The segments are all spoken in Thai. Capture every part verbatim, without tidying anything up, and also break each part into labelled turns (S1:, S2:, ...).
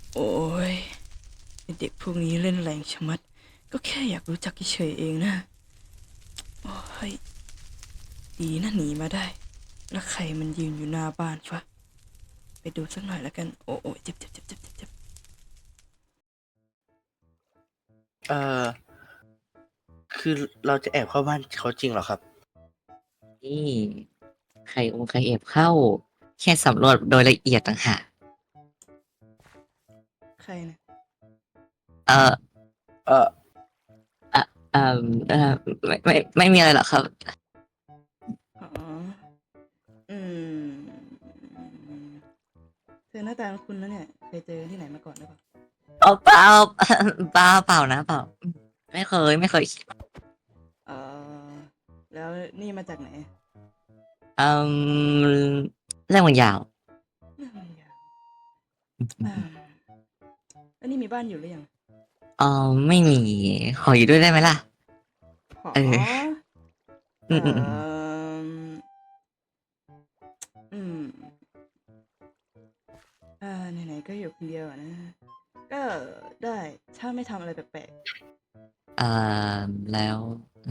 S1: โอ้ยไอ้เด็กพวกนี้เล่นแรงชะมัดก็แค่อยากรู้จักเฉยๆเองนะโอ้ยดีนะหนีมาได้แล้วใครมันยืนอยู่หน้าบ้านวะไปดูสักหน่อยแล้วกันโอ้โอ้ยเจ็บเจ็บเจ็บเจ็บเจ็บเจ็บ
S2: เอ่อคือเราจะแอบเข้าบ้านเขาจริงเหรอครับ
S3: นี่ใครองค์ใครแอบเข้า แค่สำรวจโดยละเอียดต่างหาก
S1: ใครนะ
S3: เออ
S2: เอ่อ
S3: เออเออเออไม่ไม่ไม่มีอะไรหรอกครับ
S1: อ๋ออืมเธอหน้าตาคุณนะเนี่ยเคยเจอที่ไหนมาก่อนหรือเปล่า
S3: เอาเปล่าเปล่าเปล่านะเปล่าไม่เคยไม่เคย
S1: เออแล้วนี่มาจากไหน
S3: อืมเรื่องมันยาว
S1: อืมอย่าอ่าแล้วนี่มีบ้านอยู่หรือยัง
S3: เออไม่มีขออยู่ด้วยได้ไหมล่ะ
S1: หอ
S3: เอออื
S1: เอ่
S3: มอืมอืม
S1: ออืมอ่าไหนๆก็อยู่คนเดียวอะนะก็ได้ถ้าไม่ทำอะไรแปลก
S3: เอ่อแล้ว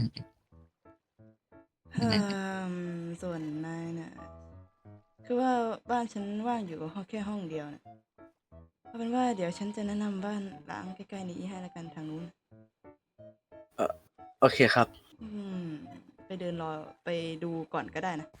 S1: ๆอืมส่วนนายน่ะคือว่าบ้านฉันว่างอยู่ห้องแค่ห้องเดียวนะเอาเป็นว่าเดี๋ยวฉันจะแนะนำบ้านหลังใกล้ๆนี้ให้ละกันทางนู้น
S2: เอ่อโอเคครับ
S1: อืมไปเดินรอไปดูก่อนก็ได้นะ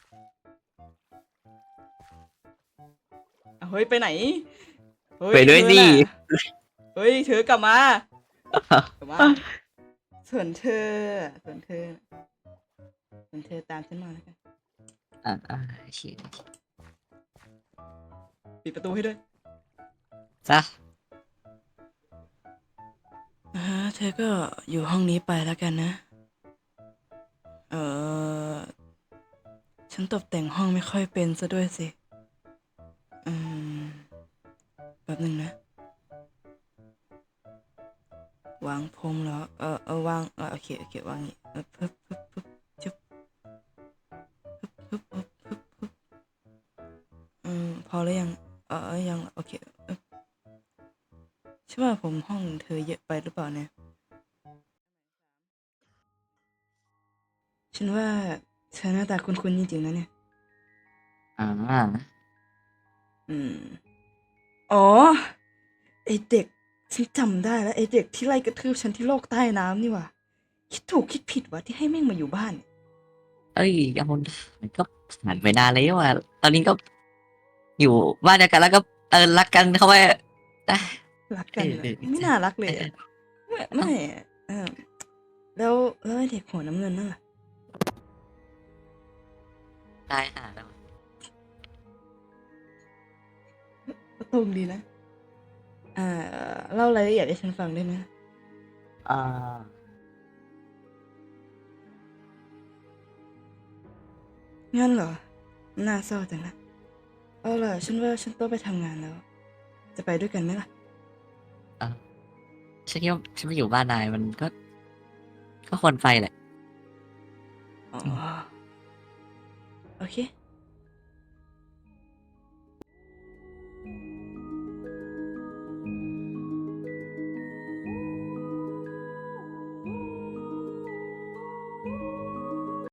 S1: อ่ะเฮ้ยไปไหนเฮ้
S3: ไป
S1: ย
S3: ด้วยดิ
S1: เธอน่ะเฮ้ยเธอกลับมากลับมาส่วนเธอส่วนเธอส่วนเธอตามฉันมาแล้วกัน
S3: อ่าอ่าโอเค
S1: ปิดประตูให้ด้วย
S3: จ้ะ
S1: อ่าเธอก็อยู่ห้องนี้ไปแล้วกันนะเออฉันตกแต่งห้องไม่ค่อยเป็นซะด้วยสิอืมแป๊บหนึ่งนะวางพรมเหรอเออเออวางเออโอเคโอเควางอย่างงี้เออปึ๊บปึ๊บปึ๊บจุ๊บปึ๊บปึ๊บปึ๊บปึ๊บอืมพอแล้วยังเออเออยังโอเคเออใช่ว่าผมห้องเธอเยอะไปหรือเปล่าเนี่ยฉันว่าเธอหน้าตาคุ้นๆจริงๆนะเนี่ย
S3: อ่า
S1: อืมอ๋อไอเด็กฉันจำได้แล้วไอเด็กที่ไล่กระทืบฉันที่โลกใต้น้ำนี่หว่าคิดถูกคิดผิดวะที่ให้แม่งมาอยู่บ้านเนี่ย
S3: เอ้ยเอามันก็ผ่านไปนานแล้วอ่ะตอนนี้ก็อยู่บ้านเดียวกันแล้วก็เออรักกันเข้าไปได้
S1: รัก
S3: เออเออ
S1: กันเหรอไม่น่ารักเล
S3: เออ
S1: ยอะไม่
S3: เอ้า
S1: ไม่อะเออแล้วแล้วไอเด็กหัวน้ำเงินนั่นล่ะ
S3: ตายห่าแล้ว
S1: ก็ตรงดีนะอ่าเล่ารายละเอียดให้ฉันฟังได้ไหม
S3: อ่า
S1: งั้นเหรอน่าเศร้าจังนะเอาล่ะฉันว่าฉันต้องไปทำงานแล้วจะไปด้วยกันไหมล่ะ
S3: อ่าฉันคิดว่าฉันไม่อยู่บ้านนายมันก็ก็ควรไปแหละ
S1: อ๋อ
S3: อืม
S1: โอเค